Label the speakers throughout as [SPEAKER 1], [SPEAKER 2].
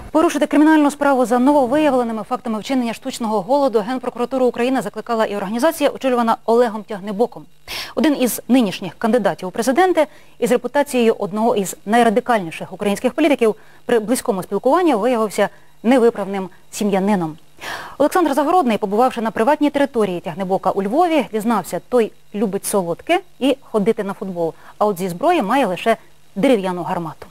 [SPEAKER 1] Порушити кримінальну справу за нововиявленими фактами вчинення штучного голоду Генпрокуратуру України закликала і організація, очолювана Олегом Тягнебоком. Один із нинішніх кандидатів у президенти із репутацією одного із найрадикальніших українських політиків при близькому спілкуванні виявився невиправним сім'янином. Олександр Загородний, побувавши на приватній території Тягнебока у Львові, дізнався, той любить солодке і ходити на футбол, а от зі зброї має лише дерев'яну гармату.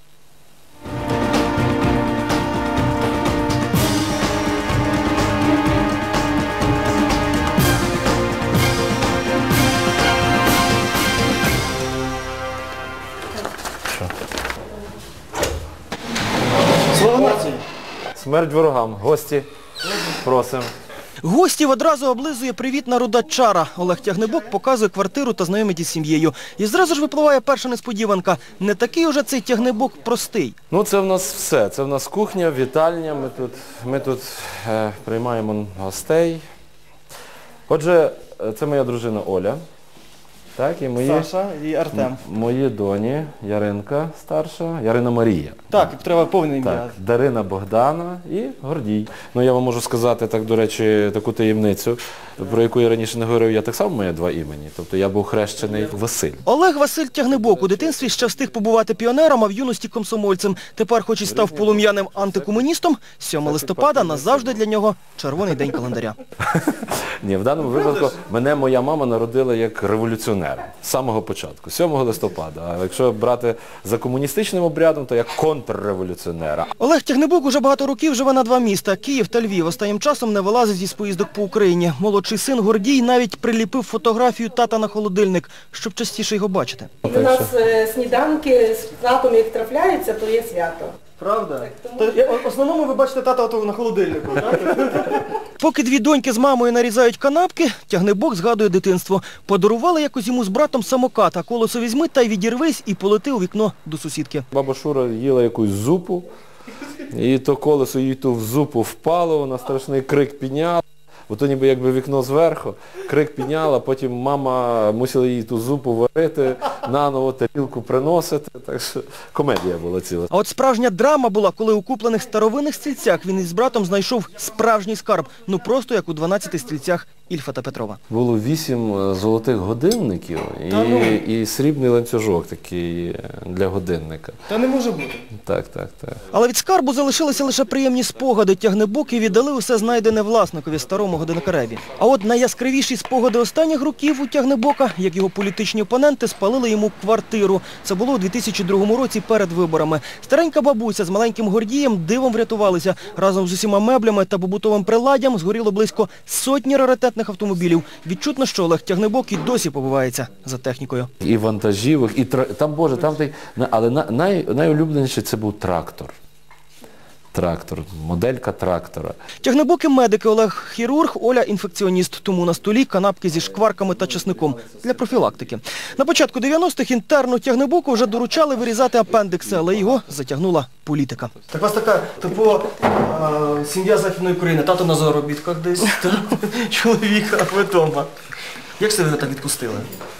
[SPEAKER 2] Слава нації!
[SPEAKER 3] Смерть ворогам. Гості, просимо.
[SPEAKER 2] Гостів одразу облизує привітна руда чара. Олег Тягнебок показує квартиру та знайомить із сім'єю. І зразу ж випливає перша несподіванка. Не такий уже цей Тягнебок простий.
[SPEAKER 3] Ну, це в нас все. Це в нас кухня, вітальня. Ми тут приймаємо гостей. Отже, це моя дружина Оля. Так, і
[SPEAKER 2] Саша і Артем.
[SPEAKER 3] Мої доні, Яринка старша, Ярина Марія.
[SPEAKER 2] Так, треба повне ім'я.
[SPEAKER 3] Так, Дарина Богдана і Гордій. Ну, я вам можу сказати, так, до речі, таку таємницю, про яку я раніше не говорив, я так само маю два імені. Тобто я був хрещений Василь.
[SPEAKER 2] Олег Василь Тягнебок у дитинстві ще встиг побувати піонером, а в юності комсомольцем. Тепер, хоч і став полум'яним антикомуністом, 7 листопада назавжди для нього червоний день календаря.
[SPEAKER 3] Ні, в даному випадку мене моя мама народила як революціонера з самого початку, 7 листопада. А якщо брати за комуністичним обрядом, то як контрреволюціонера.
[SPEAKER 2] Олег Тягнебок уже багато років живе на два міста – Київ та Львів. Останнім часом не вилазить із поїздок по Україні. Молодший син Гордій навіть приліпив фотографію тата на холодильник, щоб частіше його бачити.
[SPEAKER 4] У нас сніданки з татом, як трапляються, то є свято.
[SPEAKER 2] Правда? В основному ви бачите тата на холодильнику, так? Поки дві доньки з мамою нарізають канапки, Тягнебок згадує дитинство. Подарували якось йому з братом самокат, а колесо візьми та й відірвись і полети у вікно до сусідки.
[SPEAKER 3] Баба Шура їла якусь зупу, і то колесо їй ту в зупу впало, вона страшний крик підняла. Бо то ніби якби вікно зверху, крик підняла, потім мама мусила їй ту зупу варити, наново тарілку приносити, так що комедія була ціла.
[SPEAKER 2] А от справжня драма була, коли у куплених старовинних стільцях він із братом знайшов справжній скарб, ну просто як у 12 стільцях Ільфа та Петрова.
[SPEAKER 3] Було 8 золотих годинників і срібний ланцюжок такий для годинника.
[SPEAKER 2] Та не може бути.
[SPEAKER 3] Так.
[SPEAKER 2] Але від скарбу залишилися лише приємні спогади. Тягнебоки віддали усе знайдене власникові, старому годинникареві. А от найяскравіші спогади останніх років у Тягнебока, як його політичні опоненти, спалили йому квартиру. Це було у 2002 році перед виборами. Старенька бабуся з маленьким Гордієм дивом врятувалися. Разом з усіма меблями та побутовим приладдям згоріло близько сотні раритетних автомобілів. Відчутно, що Олег Тягнебок і досі побивається за технікою.
[SPEAKER 3] І вантажівок, і там, Боже, там той, але найулюбленіший це був трактор. Трактор, моделька трактора.
[SPEAKER 2] Тягнебоки медики, Олег хірург, Оля інфекціоніст. Тому на столі канапки зі шкварками та чесником для профілактики. На початку 90-х інтерну Тягнебоку вже доручали вирізати апендикси, але його затягнула політика. Так у вас така типова сім'я Західної України. Тато на заробітках десь, чоловіка, а ви вдома. Як це ви так відпустили?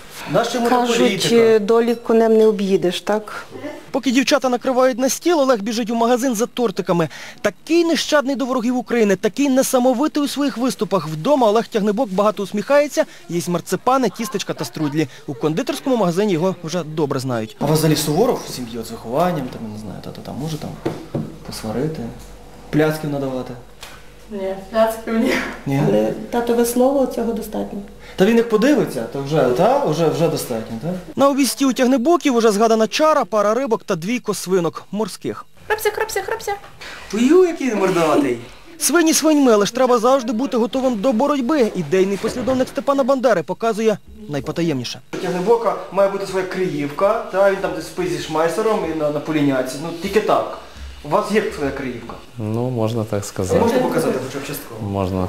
[SPEAKER 4] Кажуть, долі конем не об'їдеш, так?
[SPEAKER 2] Поки дівчата накривають на стіл, Олег біжить у магазин за тортиками. Такий нещадний до ворогів України, такий несамовитий у своїх виступах. Вдома Олег Тягнебок багато усміхається, їсть марципани, тістечка та струдлі. У кондитерському магазині його вже добре знають. А у вас взагалі суворов в сім'ї з вихованням, там, не знаю, тато там може посварити, пляцків надавати?
[SPEAKER 4] Ні, пляцків ні. Але татове слово цього достатньо.
[SPEAKER 2] Та він як подивиться, то вже достатньо, так? На обісті у Тягнебоків уже згадана чара, пара рибок та 2 свинок морських.
[SPEAKER 4] Храпся.
[SPEAKER 2] Ую, який мордатий. Свині свиньми, але ж треба завжди бути готовим до боротьби. Ідейний послідовник Степана Бандери показує найпотаємніше. У Тягнебока має бути своя криївка, він там десь спить зі шмайсером і на поліняці. Ну, тільки так. У вас є своя криївка?
[SPEAKER 3] Ну, можна так сказати.
[SPEAKER 2] Можете показати хоча б частково?
[SPEAKER 3] Можна.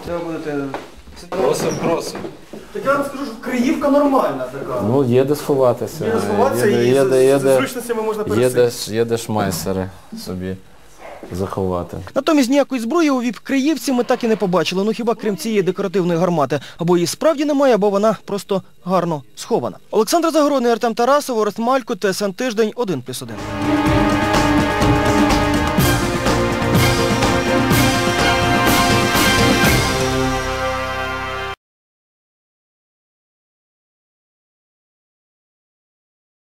[SPEAKER 3] Просим.
[SPEAKER 2] Так я вам скажу, що криївка нормальна така.
[SPEAKER 3] Ну, є де сховатися.
[SPEAKER 2] Є де сховатися і з зручностями можна пересити.
[SPEAKER 3] Є де шмайсери собі заховати.
[SPEAKER 2] Натомість ніякої зброї у віп-криївці ми так і не побачили. Ну хіба крім цієї декоративної гармати. Або її справді немає, або вона просто гарно схована. Олександр Загородний, Артем Тарасов, Орест Малько, ТСН Тиждень, 1+1.